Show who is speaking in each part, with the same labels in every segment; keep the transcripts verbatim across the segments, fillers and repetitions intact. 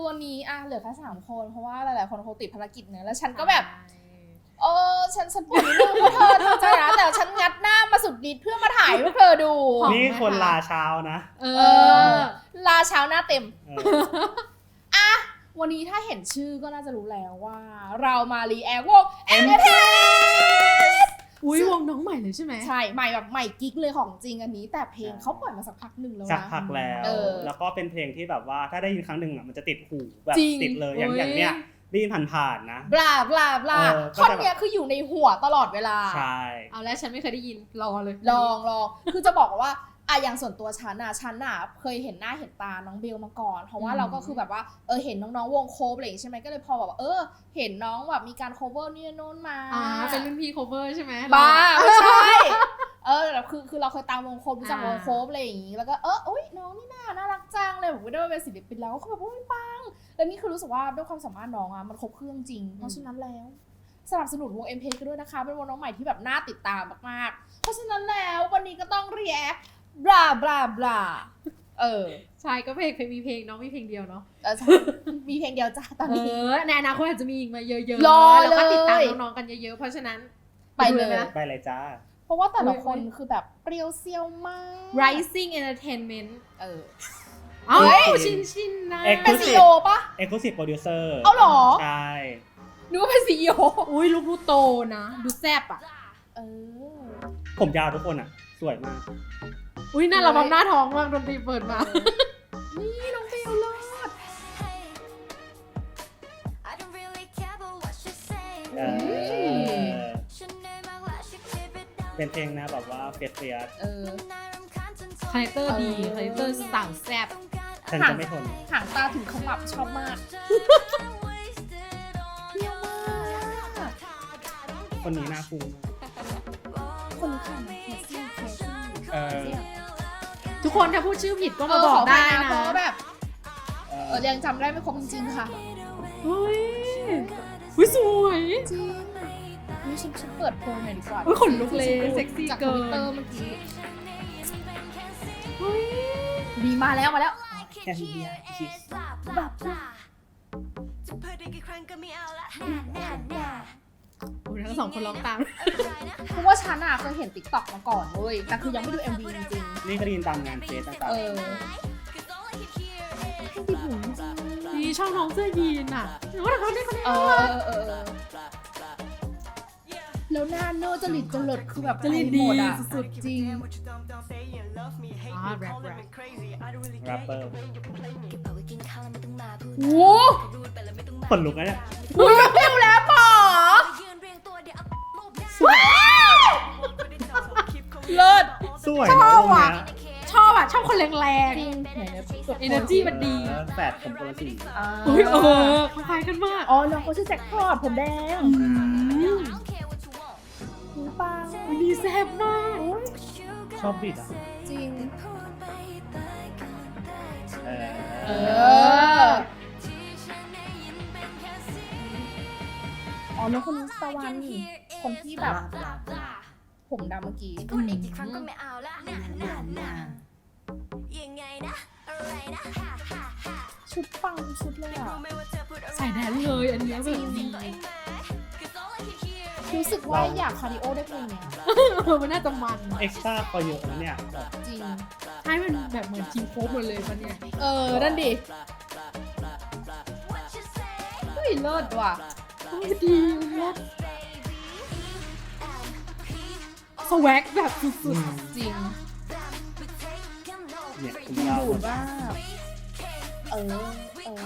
Speaker 1: วันนี้อ่ะเหลือแค่สามคนเพราะว่าหลายๆคนคงติดภารกิจเนอะแล้วฉันก็แบบเออฉันฉันปวดนิดนึงเพราะเธอเธอใจนะแต่ฉันงัดหน้ามาสุดฤทธิ์เพื่อมาถ่ายให้เธอดู
Speaker 2: นี่คนลาเช้านะ
Speaker 1: เออลาเช้าหน้าเต็มอ่ะวันนี้ถ้าเห็นชื่อก็น่าจะรู้แล้วว่าเรามารีแอควง เอ็ม ที เอส
Speaker 3: อุ้ยวงน้องใหม่เลยใช่ไหม
Speaker 1: ใช่ใหม่แบบใหม่กิ๊กเลยของจริงอันนี้แต่เพลงเขาปล่อยมาสักพักหนึ่งแล้วนะ
Speaker 2: สักพักแล้วแล้วก็เป็นเพลงที่แบบว่าถ้าได้ยินครั้งหนึ่งอ่ะมันจะติดหูแบบติดเลยอย่างอย่างเนี้ยได้ยินผ่านๆนะ
Speaker 1: บลาบลาบลาท่อนเนี้ยคืออยู่ในหัวตลอดเวลา
Speaker 2: ใช่
Speaker 3: เอาแล้วฉันไม่เคยได้ยินรอเลย
Speaker 1: ลองลองคือจะบอกว่าอ่ะอย่างส่วนตัวฉันอ่ะฉันอ่ะเคยเห็นหน้าเห็นตาน้องเบลมาก่อนเพราะว่าเราก็คือแบบว่าเออเห็นน้องๆวงโคฟอะไรอย่างงี้ใช่ไหมก็เลยพอแบบเออเห็นน้องแบบมีการโคเวอร์นี่โน้นมา
Speaker 3: อ่าเป็นรุ่นพี่โคเวอร์ใช่ไหม
Speaker 1: บ้าไม่ใช่เออแต่คือคือเราเคยตามวงโคฟรู้จักวงโคฟอะไรอย่างงี้แล้วก็เอออุ้ยน้องนี่น่าน่ารักจังเลยผมก็ได้มาเป็นศิลปินแล้วก็แบบโอ้ยปังแล้วนี่คือรู้สึกว่าด้วยความสามารถน้องอ่ะมันครบเครื่องจริงเพราะฉะนั้นแล้วสนับสนุนวง เอ็ม พี กันด้วยนะคะเป็นวงน้องใหม่ที่แบบน่าติดตามมากๆเพราะฉะนั้นแล้ววันนี้ก็ต้องรีแอคบลาบลาบลาเออ
Speaker 3: ใช่ก็เพลงเคยมีเพลงน้องมีเพลงเดียวเนาะ
Speaker 1: เออใช่มีเพลงเดียวจ้าตอนนี้
Speaker 3: เออในอนาคตอาจจะมีอีกมาเยอะ
Speaker 1: ๆรอเลย
Speaker 3: แล้วก็ติดตามน้องๆกันเยอะๆเพราะฉะนั้น
Speaker 1: ไปเลย
Speaker 2: ไปเลยจ้า
Speaker 1: เพราะว่าแต่ละคนคือแบบเปรี้ยวเซียวมาก
Speaker 3: Rising Entertainment
Speaker 1: เออ
Speaker 3: เอ้าชินชินนะ
Speaker 1: เป็นซีอีโอป่ะ
Speaker 2: Exclusive Producer
Speaker 1: เอาหรอ
Speaker 2: ใช่
Speaker 1: นึกว่าเป็นซีอีโอ
Speaker 3: อุ้ยลูกดูโตนะดูแซ่บอ่ะ
Speaker 1: เออ
Speaker 2: ผมยาวทุกคนอ่ะสวยมาก
Speaker 3: อุ้ยน่าระบำหน้าท้องมากดนตรีเปิดมา
Speaker 1: นี่น้องเบลเลิศ
Speaker 2: เป็นเพลงนะแบบว่าเฟียสเฟียส
Speaker 1: เออ
Speaker 3: คาแรคเตอร์ดีคาแรคเตอร์สั่งแซ่บ
Speaker 2: ฉันจะไม่ทน
Speaker 1: หางตาถึงขมับชอบมากเที่ยวมาก
Speaker 2: คนนี้น่าฟู
Speaker 1: คนนี้ค่ะเคซี่เคซี่
Speaker 2: เออ
Speaker 3: ทุกคนถ้าพูดชื่อผิดก็มาบอกได้นะ
Speaker 1: เพราะแบบเออยังจำได้ไม่ครบจริงๆค่ะ
Speaker 3: เฮ้ยอุ้ยสวย
Speaker 1: จริงนี่ฉันฉันเปิดโพลหน่อยดีกว่า
Speaker 3: อุ้ยขนลุกเลยเซ็กซี่เกิน
Speaker 1: จากทวิตเตอร์เมื่อกี้เฮ้ยดีมาแล้วมาแล้ว
Speaker 2: แค่นี้คิส
Speaker 1: แบบ
Speaker 3: โอ้ยทั้งสองคนร้องตาม
Speaker 1: เพราะว่าฉันอ่ะเคยเห็น ติ๊กต็อก มาก่อนเว้ยแต่คือยังไม่ดู เอ็ม วี จริง
Speaker 2: ๆนี่ก็ได้ยินตามงานเฟสต่างๆ
Speaker 1: เออติดหูจริง
Speaker 3: นี่ชอบน้องเสื้อยีนอ่ะหรือว่าเขาได้คนนี้
Speaker 1: เออเออแล้วหน้าโน่จริตจริตคือแบบ
Speaker 3: จริตดี
Speaker 1: สุดจริง
Speaker 3: อ่าแรปแรป
Speaker 2: แรปเปอร์
Speaker 1: โอ้
Speaker 2: ขนลุกนะเนี่ย
Speaker 1: อุ้ยเร็วแล้วป๋อเลิศ
Speaker 2: สวยชอบอ่ะ
Speaker 3: ชอบอ่ะชอบคนแรง
Speaker 1: ๆจริง
Speaker 3: เอเนอร์จีมันดี
Speaker 2: แฝดผมคนละสี
Speaker 3: อุ้ยเออคล้ายกันมาก
Speaker 1: อ๋อน้องเขาชื่อแจ็คพอตผมแดงปัง
Speaker 3: ดีแซ่บมาก
Speaker 2: ชอบบิดอ่ะ
Speaker 1: จริง
Speaker 2: เออ
Speaker 1: เอออ๋อน้องคนนี้ตะวันคนที่แบบผมดำเมื่อกี้พูดอีกกี่ครั้งก็ไม่เอาละชุดปังชุดเลยอ่ะ
Speaker 3: ใส่แดนเลยอันนี้จริง
Speaker 1: รู้สึกว่าอยากคาร์ดิโอได้เพลงเนี้ย
Speaker 3: มันน่าจะมัน
Speaker 2: เอ็กซ์ตร้าก็เยอะนะเนี่ย
Speaker 1: จริง
Speaker 3: ใช่มันแบบเหมือนทีมโฟมหมดเลยมันเนี่ย
Speaker 1: เออนั่นดิเฮ้ยเลิศว่ะ
Speaker 3: ดีเลิศสวักแบบสุด
Speaker 1: ๆจริง
Speaker 2: เนี่ยคุณ
Speaker 1: ดูดว่าเออเออ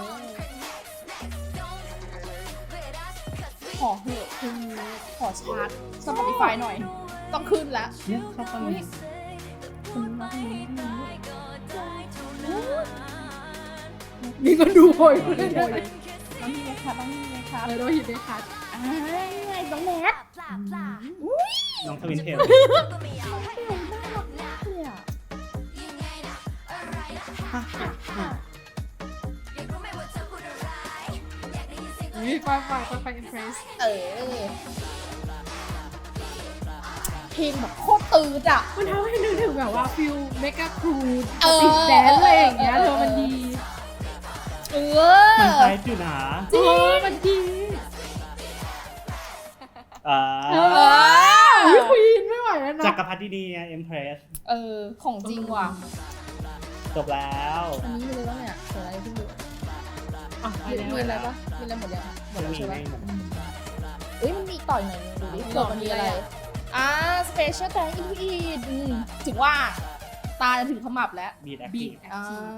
Speaker 1: ขอเหอะคุณขอชาร์จ Spotify หน่อยต้องขึ้นแล้ว
Speaker 2: เนี่ยชอบฟังนี้
Speaker 1: คุณมาทางนี้
Speaker 3: นี่ก็ดูโอย
Speaker 1: เลยต้องมีไหมคะต้องมีไหมคะ
Speaker 3: เออโดยหินได้คัด
Speaker 1: อ่าไงน้องแนท
Speaker 2: น้องทวินเทล
Speaker 3: นี่ไปไปไปไปอิมเพรส
Speaker 1: เออเพลงแบบโคตรตืดอ่ะ
Speaker 3: มันทำให้นึกถึงแบบว่าฟิลเมกะครูติดแดนอะไรอย่างเงี้ยเธอมันดี
Speaker 1: เอ
Speaker 2: มัน
Speaker 1: อ
Speaker 2: ใช้อยู่นะ
Speaker 3: จริงมันดี
Speaker 2: อ่า
Speaker 3: เอออุ๊ยควีนไม่ไหวแล้ว
Speaker 2: จั
Speaker 3: นะ
Speaker 2: กรพรรดินีเอ็มเพรส
Speaker 1: เออของจริงว่ะ
Speaker 2: จบแล้ว
Speaker 1: อันนี้มีอะไรบ้างเนี่ยเดี๋ยวอะไรที่ดู
Speaker 3: อ่ะไป
Speaker 1: มี
Speaker 3: แล้ว
Speaker 1: มีอะไรปะมีอะไรหมดยังหมดแล้ว
Speaker 2: มี
Speaker 1: ใช่ปะ
Speaker 2: ไม่หมด
Speaker 1: เอ้ยมันมีต่อยหน่อยนึงดูดิเผื่อมันมีอะไรอ่า special thank you in อืมถึงว่าตาจะถึงขมับแล้ว
Speaker 2: บีดแอค
Speaker 3: บี
Speaker 2: ที
Speaker 3: ด
Speaker 2: ฟ
Speaker 3: แอค
Speaker 1: อ่า
Speaker 3: ทีฟ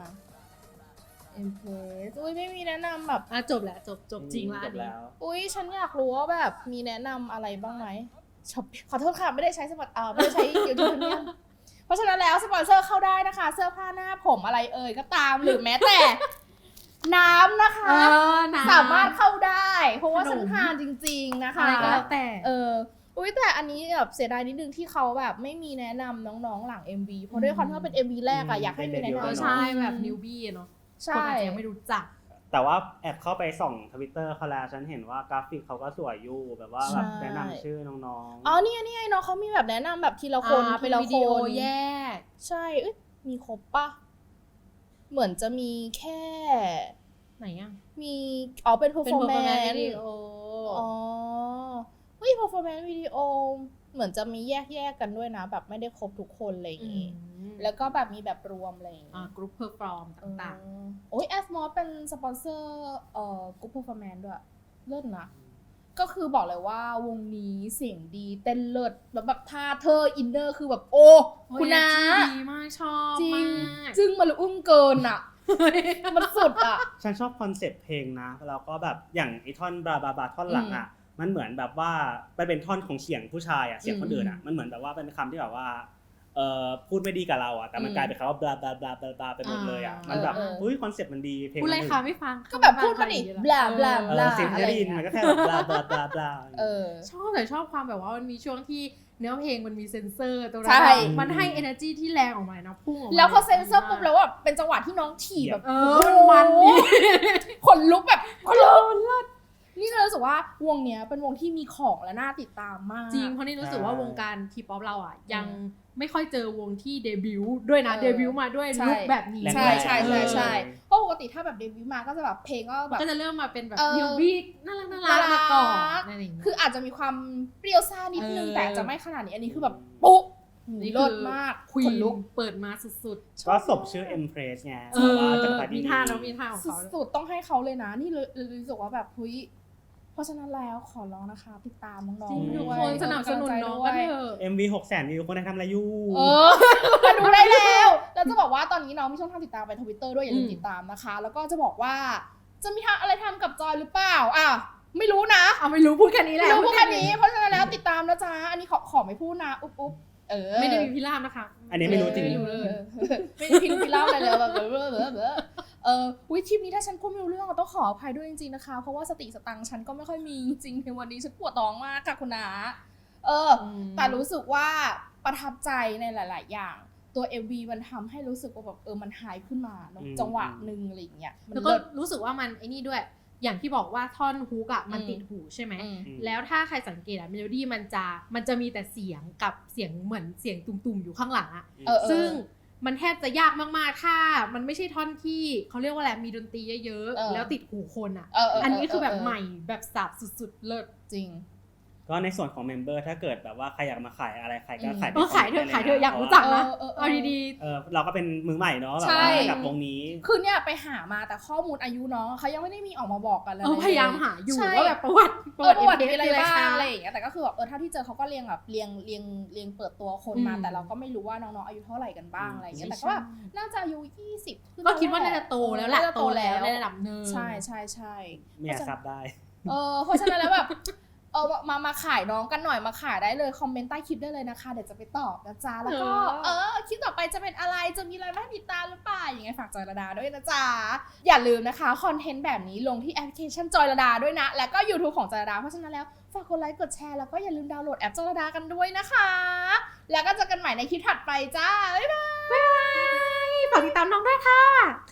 Speaker 1: impress อุ้ยไม่มีแนะนำแบบ
Speaker 3: อ่ะจบแล้วจบจบจริงละ
Speaker 2: จ
Speaker 3: อัน
Speaker 2: บ
Speaker 3: นี้
Speaker 2: แล้ว
Speaker 1: อุ้ยฉันอยากรู้ว่าแบบมีแนะนำอะไรบ้างไหมช็อปขอโทษค่ะ ไม่ได้ใช้สปอนเอ่อไม่ได้ใช้ยูทูบเนี่ยเพราะฉะนั้นแล้วสปอนเซอร์เข้าได้นะคะ เสื้อผ้าหน้าผมอะไรเอ่ยก็ตามหรือแม้แต่ น้ำนะคะ
Speaker 3: เออนะ
Speaker 1: สามารถเข้าได้ เพราะว่า
Speaker 3: ขนม
Speaker 1: ฉันทานจริง ๆนะคะ
Speaker 3: อะไรก็แล้วแต่
Speaker 1: เอออุ้ยแต่อันนี้แบบเสียดายนิดนึงที่เขาแบบไม่มีแนะนำน้องๆหลัง เอ็ม วี เพราะด้วยความที่ว่าเป็น เอ็ม วี แรกอะอยากให้มีแนะ
Speaker 3: เออน
Speaker 1: ำ
Speaker 3: ใช่แบบนิวบี้เนาะคน
Speaker 1: ใช่
Speaker 3: อาจจะยังไม่รู้จัก
Speaker 2: แต่ว่าแอบเข้าไปส่องทวิตเตอร์เขาแล้วฉันเห็นว่ากราฟิกเขาก็สวยอยู่แบบว่าแบบ
Speaker 1: ใช่
Speaker 2: แนะนำชื่อน้อง
Speaker 1: อ๋อนี่ไงนี่ไงน้องเขามีแบบแนะนำแบบทีละคน
Speaker 3: อ่า
Speaker 1: ที
Speaker 3: เป็น
Speaker 1: ละ
Speaker 3: วิ
Speaker 1: ค
Speaker 3: ดีโอน แยก
Speaker 1: ใช่เอ้ยมีครบปะเหมือนจะมีแค่
Speaker 3: ไหนอ่ะ
Speaker 1: มีอ๋อเป็น
Speaker 3: เป็น
Speaker 1: performance
Speaker 3: วิดีโอ
Speaker 1: อ๋อเฮ้ย performance วิดีโอเหมือนจะมีแยกแยกๆกันด้วยนะ แบบไม่ได้ครบทุกคนอะไรอย่างงี้ แล้วก็แบบมีแบบรวมอะไรอย่าง
Speaker 3: อ่า
Speaker 1: งี้
Speaker 3: กรุ๊ปเพอร์ฟอร์มต่าง
Speaker 1: เออโอ้ยแอสมอสเป็นสปอนเซอร์เอ่อกรุ๊ป performance ด้วยเลิศนะ ก็คือบอกเลยว่าวงนี้เสียงดีเต้นเลิศแบบแบบท่าเธออินเนอร์คือแบบโอ้
Speaker 3: ๆ
Speaker 1: คุณนะ
Speaker 3: โอ้ยดีมากชอบ
Speaker 1: จริง
Speaker 3: มาก
Speaker 1: จึงมันอุ้มเกินอ่ะ มันสุดอ่ะ
Speaker 2: ๆ ฉันชอบคอนเซ็ปต์เพลงนะแล้วก็แบบอย่างไอท่อนบราบาบาท่อนหลังอ่ะมันเหมือนแบบว่ามันเป็นท่อนของเสียงผู้ชายอ่ะเสียงคนอื่นอ่ะมันเหมือนแบบว่าเป็นคำที่แบบว่าเอ่อพูดไม่ดีกับเราอ่ะแต่มัน
Speaker 1: อืม
Speaker 2: กลายเป็นคำว่าบลาบลาบลาบลาบลาไปหมดเลยอ่ะมันแบบ
Speaker 1: เออเออ
Speaker 2: อุ้ยคอนเซ็ปต์มันดีเพลง
Speaker 3: พูดอะไร
Speaker 2: มัน
Speaker 3: คะไม่ฟัง
Speaker 1: ก็แบบพูดมาดิ
Speaker 3: ไม่ฟัง
Speaker 1: บลาบลา
Speaker 2: เออเสียงที่ได้ยินมันก็แค่แบบบลาบลาบลาบลา
Speaker 1: เออ
Speaker 3: ชอบแต่ชอบความแบบว่ามันมีช่วงที่เนื้อเพลงมันมีเซนเซอร์ตรงนั้
Speaker 1: ใช่
Speaker 3: นอะมันให้ energy ที่แรงออกมานะพุ่งออกมา
Speaker 1: แล้วพอเซนเซอร์ปุ๊บแล้วแบบเป็นจังหวะที่น้องถีบแบบ
Speaker 3: เออมันมันดี
Speaker 1: ขนลุกแบบขนลุกนี่เลยรู้สึกว่าวงเนี้ยเป็นวงที่มีของและน่าติดตามมาก
Speaker 3: จริงเพราะนี่รู้สึกว่าวงการทีป๊อปเราอ่ะยัง
Speaker 1: อืม
Speaker 3: ไม่ค่อยเจอวงที่เดบิวต์ด้วยนะ
Speaker 1: เออ
Speaker 3: เดบิวต์มาด้วย
Speaker 1: ใช่
Speaker 3: ลุคแบบนี้
Speaker 1: ใช่ใช่ใช่ใช่
Speaker 2: เออ
Speaker 1: เพราะปกติถ้าแบบเดบิวต์มาก็จะแบบเพลงก็แบบ
Speaker 3: ก็จะเริ่มมาเป็นแบบ
Speaker 1: เออ
Speaker 3: นิวบี้น่ารักน่ารักมาก่อนอะไรอย่างเงี้ย
Speaker 1: คืออาจจะมีความเปรี้ยวซ่านิดนึง
Speaker 3: เออ
Speaker 1: แต่จะไม่ขนาดนี้อันนี้คือแบบปุ๊บ
Speaker 3: นี่
Speaker 1: เลิศมาก
Speaker 3: ควี
Speaker 1: ข
Speaker 3: น
Speaker 1: นลุก
Speaker 3: เปิดมาสุด
Speaker 2: ก็สบชื่อ Empress ไง
Speaker 3: ๆ เอ
Speaker 2: แบบว่า
Speaker 3: อ
Speaker 2: จักรพรรดิ
Speaker 3: มี
Speaker 2: นี
Speaker 3: ท่าแล้วมีท่าของเขา
Speaker 1: สุดๆต้องให้เขาเลยนะ นี่เลยเลยรู้สึกว่าแบบเฮ้ยเพราะฉะนั้นแล้วขอร้องนะคะ ติดตามน้อง
Speaker 3: จริง
Speaker 1: ๆ
Speaker 3: ทุ
Speaker 1: ด้
Speaker 3: ก
Speaker 1: วย
Speaker 3: คนสนับสนุนน้องกันเถอะ
Speaker 2: เอ็ม วี หกแสนวิวคนไทยทำอะไรอยู่
Speaker 1: เออมาดูได้แล้ว แล้วจะบอกว่าตอนนี้น้องมีช่องทางติดตามไปทวิตเตอร์ด้วยอย่าลืม
Speaker 3: อืม
Speaker 1: ติดตามนะคะ แล้วก็จะบอกว่าจะมีทางอะไรทำกับจอยหรือเปล่าอ่ะไม่รู้นะ
Speaker 3: เอาไม่รู้พูดแค่นี้แห
Speaker 1: ไม่
Speaker 3: ละ
Speaker 1: รู้พวกแค่นี้ เพราะฉะนั้นแล้วติดตามนะจ๊ะอันนี้ขอขอไม่พูดนะอุ๊บอุ๊บเออ
Speaker 3: ไม่ได้มีพิราบนะคะ
Speaker 2: อันนี้ไม่รู้จริง
Speaker 3: ไม่รู้เลย
Speaker 1: ไม่ได้พิมพ์พิเล่าอะไรเลยแบบเบลอเบลอเบลอเบลอเออวิคลิปนี้ถ้าฉันพูดไม่รู้เรื่องต้องขออภัยด้วยจริงๆนะคะ เพราะว่าสติสตังค์ฉันก็ไม่ค่อยมีจริงๆในวันนี้ฉันปวดท้องมากค่ะคุณนาเออ แต่รู้สึกว่าประทับใจในหลาย ๆ อย่าง ตัว เอ็ม วี มันทำให้รู้สึกว่าแบบเออมันหายขึ้นมาเนอะ
Speaker 2: อืม
Speaker 1: จังหวะหนึ่งอะไรอย่างเงี้ยมัน
Speaker 3: แล้วก็
Speaker 1: เลิศ
Speaker 3: รู้สึกว่ามันไอ้นี่ด้วย อย่างที่บอกว่าท่อนฮุกอะมัน
Speaker 1: อืม
Speaker 3: ติดหูใช่ไหม
Speaker 1: อืม
Speaker 3: แล้วถ้าใครสังเกตอะเมโลดี้มันจะมันจะมีแต่เสียงกับเสียงเหมือนเสียงตุ่มๆอยู่ข้างหลังอะ
Speaker 1: เออเออ
Speaker 3: ซึ่งมันแทบจะยากมากๆถ้ามันไม่ใช่ท่อนที่เขาเรียกว่าอะไรมีดนตรีเยอะ
Speaker 1: เออ
Speaker 3: ๆแล้วติดหูคนอะ
Speaker 1: เออเออ
Speaker 3: อันนี้คือแบบ
Speaker 1: เออ
Speaker 3: ใหม่แบบสับสุดๆเลิศ
Speaker 1: จริง
Speaker 2: ก็ในส่วนของเมมเบอร์ถ้าเกิดแบบว่าใครอยากมาขายอะไรใครก็
Speaker 1: อืม
Speaker 2: ขายใน
Speaker 3: เออขายเถอะ
Speaker 2: คมมนต์
Speaker 3: ขายเถอะ
Speaker 2: ได้ล
Speaker 3: อยากรู้จักนะ
Speaker 1: เออเออเออ
Speaker 3: เอาดี
Speaker 2: เออเราก็เป็นมือใหม่เนาะแบบ
Speaker 1: ใช่
Speaker 2: ว่ากับวงนี้
Speaker 1: คือเนี่ยไปหามาแต่ข้อมูลอายุน้องเขายังไม่ได้มีออกมาบอกกันเล
Speaker 3: ๆ
Speaker 1: ย
Speaker 3: เออพยายามหาอยู่
Speaker 1: ใช่
Speaker 3: ว่าแบบประวัติ
Speaker 1: เออประวัติ
Speaker 3: เอ็
Speaker 1: มี
Speaker 3: ม
Speaker 1: อะไร
Speaker 3: เอส
Speaker 1: บ้าง
Speaker 3: คื
Speaker 1: อะไรอย่างเงี้ยแต่ก็คือแบบเออเท่าที่เจอเขาก็เรียงแบบเรียงเรียงเรียงเปิดตัวคนมา
Speaker 3: อืม
Speaker 1: แต่เราก็ไม่รู้ว่าน้องๆอายุเท่าไหร่กันบ้างอะไรอย่างเงี้ย
Speaker 3: ใช่
Speaker 1: แต่ก็แบบน่าจะอายุยี่สิบขึ้น
Speaker 3: ก็คิดว่าน่าจะโตแล้วแหละ
Speaker 1: น่าจะโตแล้ว
Speaker 3: ในระดับหนึ่ง
Speaker 1: ใช่ใช่ใช่
Speaker 2: ไม่อยากซับได้
Speaker 1: เออเพราะฉะนั้นแล้วแบบเออมามาขายน้องกันหน่อยมาขายได้เลยคอมเมนต์ใต้คลิปได้เลยนะคะเดี๋ยวจะไปตอบนะจ๊ะแล้วก็เออคลิปต่อไปจะเป็นอะไรจะมีอะไรมาให้ติดตามหรือเปล่าอย่างไงฝากจอยระดาด้วยนะจ๊ะอย่าลืมนะคะคอนเทนต์แบบนี้ลงที่แอปพลิเคชันจอยระดาด้วยนะแล้วก็ YouTube ของจอยระดาเพราะฉะนั้นแล้วฝากกดไลค์กดแชร์แล้วก็อย่าลืมดาวน์โหลดแอปจอยระดากันด้วยนะคะแล้วก็เจอกันใหม่ในคลิปถัดไปจ้าบ๊ายบาย
Speaker 3: ฝากติดตามน้องด้วยค่ะ